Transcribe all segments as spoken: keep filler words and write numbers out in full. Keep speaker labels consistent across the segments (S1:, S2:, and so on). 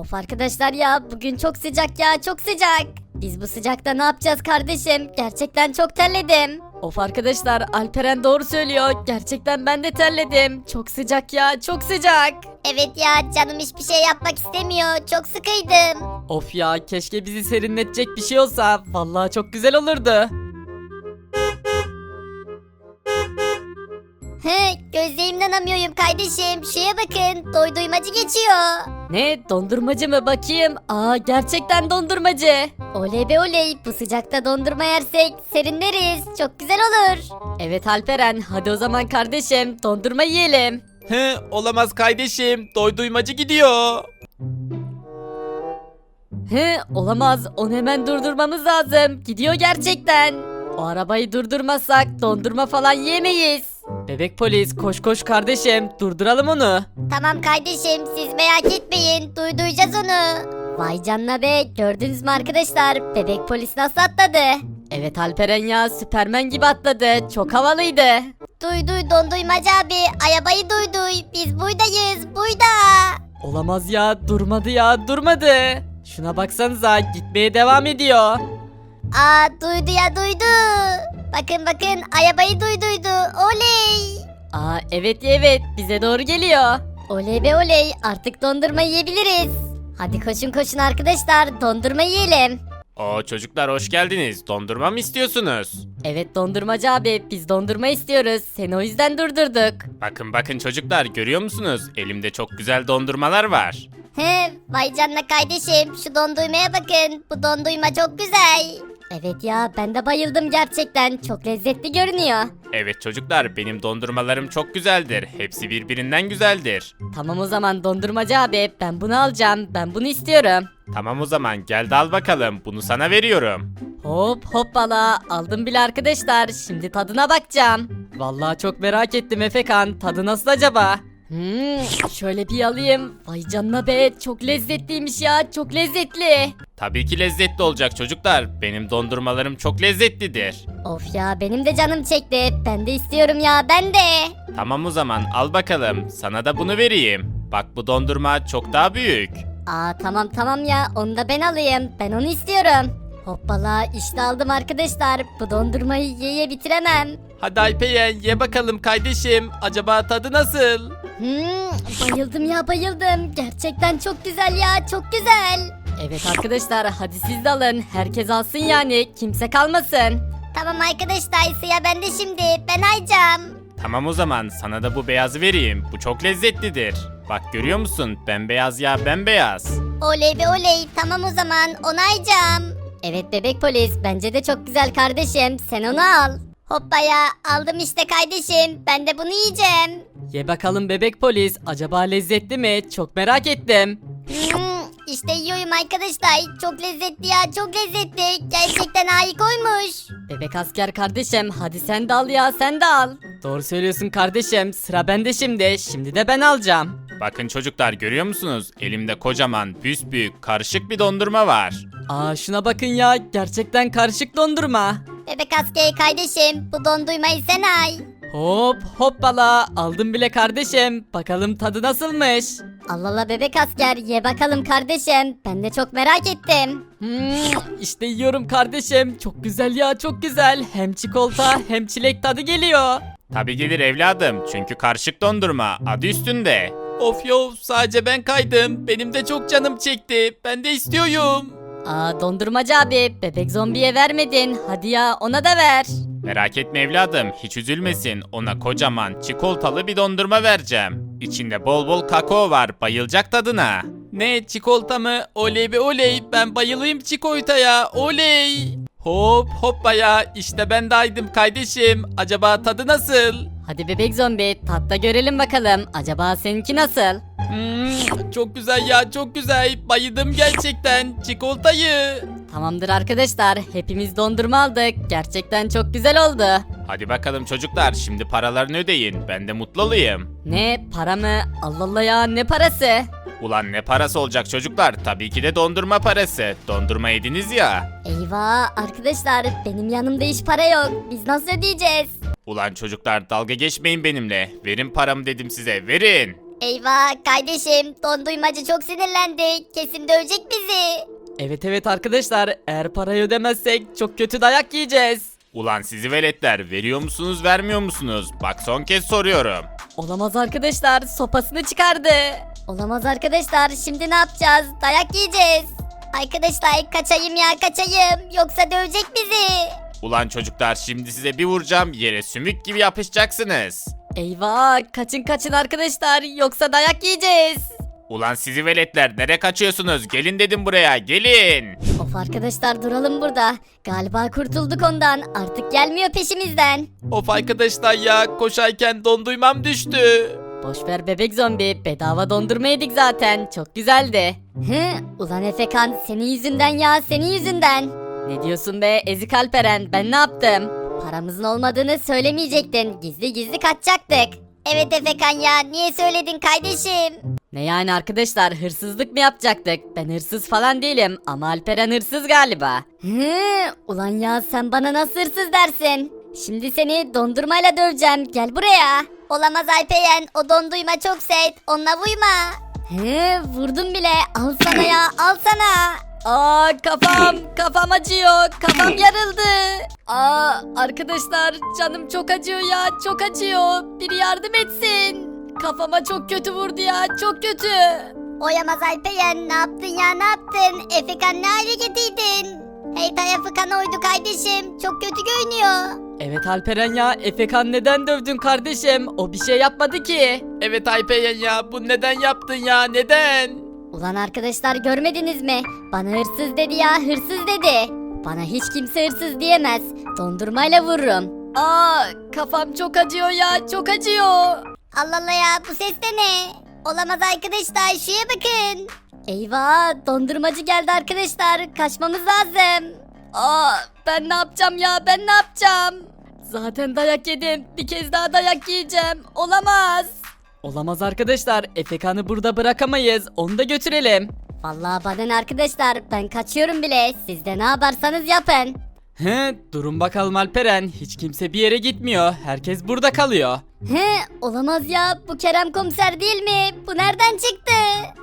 S1: Of arkadaşlar ya bugün çok sıcak ya çok sıcak. Biz bu sıcakta ne yapacağız kardeşim? Gerçekten çok terledim. Of arkadaşlar Alperen doğru söylüyor. Gerçekten ben de terledim. Çok sıcak ya çok sıcak.
S2: Evet ya canım hiçbir şey yapmak istemiyor. Çok sıkıydım.
S3: Of ya keşke bizi serinletecek bir şey olsa. Vallahi çok güzel olurdu.
S2: He, gözlerimden inanamıyorum kardeşim. Şuraya bakın. Doy duymacı geçiyor.
S1: Ne dondurmacı mı bakayım? Aa gerçekten dondurmacı.
S2: Oley be oley. Bu sıcakta dondurma yersek serinleriz. Çok güzel olur.
S1: Evet Alperen hadi o zaman kardeşim dondurma yiyelim.
S3: He, olamaz kardeşim. Doy duymacı gidiyor.
S1: He olamaz onu hemen durdurmamız lazım. Gidiyor gerçekten. O arabayı durdurmazsak dondurma falan yiyemeyiz.
S3: Bebek polis koş koş kardeşim. Durduralım onu.
S2: Tamam kardeşim siz merak etmeyin. Duy duyacağız onu.
S1: Vay canına be gördünüz mü arkadaşlar bebek polis nasıl atladı? Evet Alperen ya Süpermen gibi atladı çok havalıydı.
S2: Duy duy donduymacı abi. Arabayı duy duy. Biz buradayız. Burada.
S3: Olamaz ya durmadı ya durmadı. Şuna baksanıza gitmeye devam ediyor.
S2: Aa duydu ya duydu. Bakın bakın arabayı duyduydu. Oley.
S1: Aa evet evet bize doğru geliyor.
S2: Oley be oley artık dondurma yiyebiliriz. Hadi koşun koşun arkadaşlar dondurma yiyelim.
S4: Oo çocuklar hoş geldiniz. Dondurma mı istiyorsunuz?
S1: Evet dondurmacı abi biz dondurma istiyoruz seni o yüzden durdurduk.
S4: Bakın bakın çocuklar görüyor musunuz? Elimde çok güzel dondurmalar var.
S2: He vay canına kardeşim şu donduymaya bakın. Bu donduyma çok güzel.
S1: Evet ya ben de bayıldım gerçekten çok lezzetli görünüyor.
S4: Evet çocuklar benim dondurmalarım çok güzeldir. Hepsi birbirinden güzeldir.
S1: Tamam o zaman dondurmacı abi ben bunu alacağım ben bunu istiyorum.
S4: Tamam o zaman gel de al bakalım. Bunu sana veriyorum.
S1: Hop hoppala aldım bile arkadaşlar şimdi tadına bakacağım.
S3: Vallahi çok merak ettim Efekan. Tadı nasıl acaba?
S1: Hmm, şöyle bir alayım. Vay canına be çok lezzetliymiş ya çok lezzetli.
S4: Tabii ki lezzetli olacak çocuklar. Benim dondurmalarım çok lezzetlidir.
S2: Of ya benim de canım çekti. Ben de istiyorum ya ben de.
S4: Tamam o zaman al bakalım. Sana da bunu vereyim. Bak bu dondurma çok daha büyük.
S2: Aa tamam tamam ya onu da ben alayım. Ben onu istiyorum. Hoppala işte aldım arkadaşlar. Bu dondurmayı yeye bitiremem.
S3: Hadi Alperen ye bakalım kardeşim. Acaba tadı nasıl?
S2: Hmm, bayıldım ya bayıldım. Gerçekten çok güzel ya çok güzel.
S1: Evet arkadaşlar hadi siz de alın. Herkes alsın yani kimse kalmasın.
S2: Tamam arkadaşlar sıra bende şimdi. Ben ayacağım.
S4: Tamam o zaman sana da bu beyazı vereyim. Bu çok lezzetlidir. Bak görüyor musun? Bembeyaz ya bembeyaz.
S2: Oley be oley. Tamam o zaman onu ayacağım.
S1: Evet bebek polis bence de çok güzel kardeşim sen onu al.
S2: Hoppa ya aldım işte kardeşim. Ben de bunu yiyeceğim.
S3: Ye bakalım bebek polis. Acaba lezzetli mi? Çok merak ettim.
S2: Hmm, işte yiyorum arkadaşlar. Çok lezzetli ya çok lezzetli. Gerçekten harikaymış.
S1: Bebek asker kardeşim hadi sen de al ya sen de al.
S3: Doğru söylüyorsun kardeşim. Sıra bende şimdi. Şimdi de ben alacağım.
S4: Bakın çocuklar görüyor musunuz? Elimde kocaman, büyük karışık bir dondurma var.
S3: Aa şuna bakın ya. Gerçekten karışık dondurma.
S2: Bebek askeri kardeşim bu dondurmayı sen ay.
S3: Hop hoppala. Aldım bile kardeşim. Bakalım tadı nasılmış?
S1: Allah Allah bebek asker ye bakalım kardeşim ben de çok merak ettim.
S3: Hmm, işte yiyorum kardeşim. Çok güzel ya çok güzel. Hem çikolata hem çilek tadı geliyor.
S4: Tabi gelir evladım çünkü karışık dondurma adı üstünde.
S3: Of yo sadece ben kaydım. Benim de çok canım çekti. Ben de istiyorum.
S1: Aa dondurmacı abi bebek zombiye vermedin hadi ya ona da ver.
S4: Merak etme evladım hiç üzülmesin ona kocaman çikolatalı bir dondurma vereceğim. İçinde bol bol kakao var bayılacak tadına.
S3: Ne çikolata mı? Oley be oley. Ben bayılayım çikolataya. Oley. Hop hoppa ya. İşte ben de aydım kardeşim. Acaba tadı nasıl?
S1: Hadi bebek zombi tatta görelim bakalım acaba seninki nasıl?
S3: Hmm, çok güzel ya çok güzel. Bayıldım gerçekten. Çikolatayı.
S1: Tamamdır arkadaşlar hepimiz dondurma aldık gerçekten çok güzel oldu.
S4: Hadi bakalım çocuklar şimdi paralarını ödeyin ben de mutlu olayım.
S1: Ne para mı? Allah Allah ya ne parası?
S4: Ulan ne parası olacak çocuklar tabii ki de dondurma parası. Dondurma yediniz ya.
S1: Eyvah arkadaşlar benim yanımda hiç para yok biz nasıl ödeyeceğiz?
S4: Ulan çocuklar dalga geçmeyin benimle. Verin paramı dedim size verin.
S2: Eyvah kardeşim donduymacı çok sinirlendi. Kesin dövecek bizi.
S1: Evet evet arkadaşlar, eğer parayı ödemezsek çok kötü dayak yiyeceğiz.
S4: Ulan sizi veletler, veriyor musunuz vermiyor musunuz? Bak son kez soruyorum.
S1: Olamaz arkadaşlar, sopasını çıkardı.
S2: Olamaz arkadaşlar şimdi ne yapacağız? Dayak yiyeceğiz. Arkadaşlar kaçayım ya kaçayım. Yoksa dövecek bizi.
S4: Ulan çocuklar, şimdi size bir vuracağım, yere sümük gibi yapışacaksınız.
S1: Eyvah, kaçın kaçın arkadaşlar, yoksa dayak yiyeceğiz.
S4: Ulan sizi veletler, nereye kaçıyorsunuz? Gelin dedim buraya, gelin.
S2: Of arkadaşlar duralım burada. Galiba kurtulduk ondan. Artık gelmiyor peşimizden.
S3: Of arkadaşlar ya, koşarken donduymam düştü.
S1: Boşver bebek zombi, bedava dondurma yedik zaten, çok güzeldi.
S2: Hı, ulan Efekan senin yüzünden ya senin yüzünden.
S1: Ne diyorsun be ezik Alperen, ben ne yaptım?
S2: Paramızın olmadığını söylemeyecektin. Gizli gizli kaçacaktık. Evet Efekan ya niye söyledin kardeşim?
S1: Ne yani arkadaşlar, hırsızlık mı yapacaktık? Ben hırsız falan değilim ama Alperen hırsız galiba.
S2: Hı, ulan ya sen bana nasıl hırsız dersin? Şimdi seni dondurmayla döveceğim. Gel buraya. Olamaz Alperen. O dondurma çok sert. Onunla vurma. Hı, vurdum bile. Al sana ya. Al sana.
S1: Aa kafam, kafam acıyor, kafam yarıldı. Aa arkadaşlar, canım çok acıyor ya, çok acıyor. Biri yardım etsin. Kafama çok kötü vurdu ya, çok kötü.
S2: Oyamaz Alperen. Ne yaptın ya ne yaptın? Efekan ne hale getirdin? Hey tarafı kan oydu kardeşim. Çok kötü görünüyor.
S1: Evet Alperen ya, Efekan neden dövdün kardeşim? O bir şey yapmadı ki.
S3: Evet Alperen ya, bu neden yaptın ya, neden?
S2: Ulan arkadaşlar görmediniz mi? Bana hırsız dedi ya hırsız dedi. Bana hiç kimse hırsız diyemez. Dondurmayla vururum.
S1: Aa kafam çok acıyor ya, çok acıyor.
S2: Allah Allah ya bu ses de ne? Olamaz arkadaşlar şuraya bakın. Eyvah dondurmacı geldi arkadaşlar. Kaçmamız lazım.
S1: Aa ben ne yapacağım ya, ben ne yapacağım? Zaten dayak yedim, bir kez daha dayak yiyeceğim. Olamaz. Olamaz arkadaşlar, Efekan'ı burada bırakamayız, onu da götürelim.
S2: Vallahi bana ne arkadaşlar ben kaçıyorum bile. Siz de ne yaparsanız yapın.
S1: He, durun bakalım Alperen, hiç kimse bir yere gitmiyor, herkes burada kalıyor.
S2: He olamaz ya bu Kerem komiser değil mi? Bu nereden çıktı?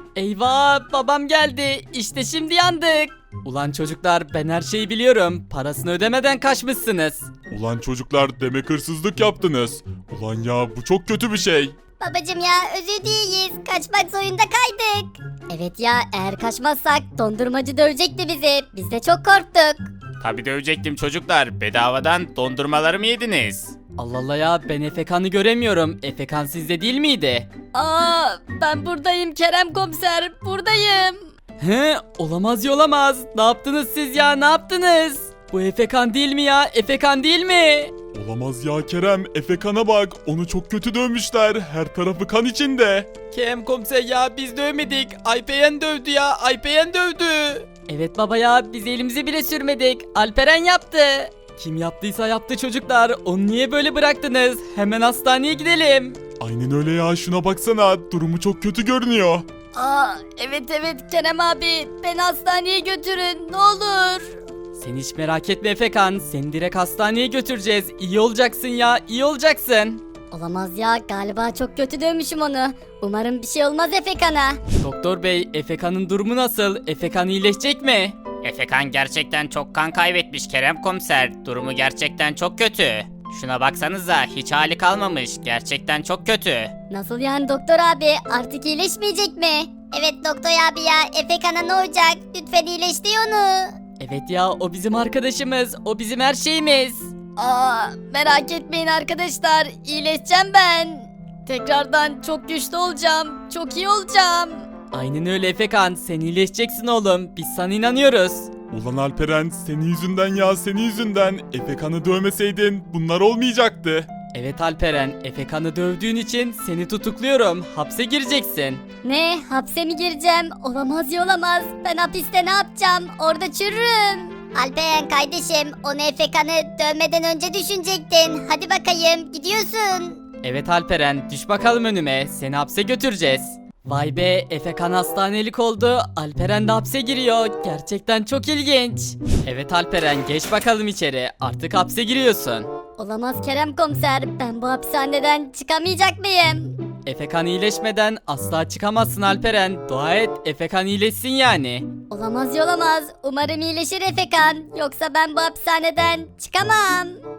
S1: Eyvah, babam geldi, işte şimdi yandık. Ulan çocuklar, ben her şeyi biliyorum, parasını ödemeden kaçmışsınız.
S5: Ulan çocuklar, demek hırsızlık yaptınız. Ulan ya, bu çok kötü bir şey.
S2: Babacım ya özür dileyiz. Kaçmak zorunda kaydık. Evet ya eğer kaçmazsak dondurmacı dövecekti bizi. Biz de çok korktuk.
S4: Tabi dövecektim çocuklar, bedavadan dondurmaları mı yediniz?
S1: Allah Allah ya, ben Efekan'ı göremiyorum, Efekan sizde değil miydi? Aa ben buradayım Kerem komiser, buradayım. He, olamaz yolamaz, ne yaptınız siz ya, ne yaptınız? Bu Efekan değil mi ya, Efekan değil mi?
S5: Olamaz ya Kerem, Efekan'a bak. Onu çok kötü dövmüşler. Her tarafı kan içinde.
S3: Kerem komiser ya, biz dövmedik. Alperen dövdü ya, Alperen dövdü.
S1: Evet baba ya, biz elimizi bile sürmedik, Alperen yaptı. Kim yaptıysa yaptı çocuklar, onu niye böyle bıraktınız? Hemen hastaneye gidelim.
S5: Aynen öyle ya, şuna baksana. Durumu çok kötü görünüyor.
S1: Aa evet evet Kerem abi, beni hastaneye götürün ne olur. Sen hiç merak etme Efekan, seni direkt hastaneye götüreceğiz. İyi olacaksın ya, iyi olacaksın.
S2: Olamaz ya galiba çok kötü dövmüşüm onu. Umarım bir şey olmaz Efekan'a.
S1: Doktor bey, Efekan'ın durumu nasıl? Efekan iyileşecek mi?
S4: Efekan gerçekten çok kan kaybetmiş Kerem komiser. Durumu gerçekten çok kötü. Şuna baksanıza, hiç hali kalmamış. Gerçekten çok kötü.
S2: Nasıl yani doktor abi artık iyileşmeyecek mi? Evet doktor abi ya Efekan'a ne olacak? Lütfen iyileştir onu.
S1: Evet ya, o bizim arkadaşımız, o bizim her şeyimiz. Aa merak etmeyin arkadaşlar, iyileşeceğim ben. Tekrardan çok güçlü olacağım, çok iyi olacağım. Aynen öyle Efekan, sen iyileşeceksin oğlum, biz sana inanıyoruz.
S5: Ulan Alperen, senin yüzünden ya, senin yüzünden. Efekan'ı dövmeseydin bunlar olmayacaktı.
S1: Evet Alperen, Efekan'ı dövdüğün için seni tutukluyorum, hapse gireceksin.
S2: Ne hapse mi gireceğim? Olamaz ya olamaz. Ben hapiste ne yapacağım? Orada çürürüm. Alperen kardeşim onu Efekan'ı dövmeden önce düşünecektin. Hadi bakayım gidiyorsun.
S1: Evet Alperen, düş bakalım önüme, seni hapse götüreceğiz. Vay be, Efekan hastanelik oldu, Alperen de hapse giriyor, gerçekten çok ilginç. Evet Alperen, geç bakalım içeri, artık hapse giriyorsun.
S2: Olamaz Kerem komiser. Ben bu hapishaneden çıkamayacak mıyım?
S3: Efekan iyileşmeden asla çıkamazsın Alperen. Dua et Efekan iyileşsin yani.
S2: Olamaz olamaz. Umarım iyileşir Efekan. Yoksa ben bu hapishaneden çıkamam.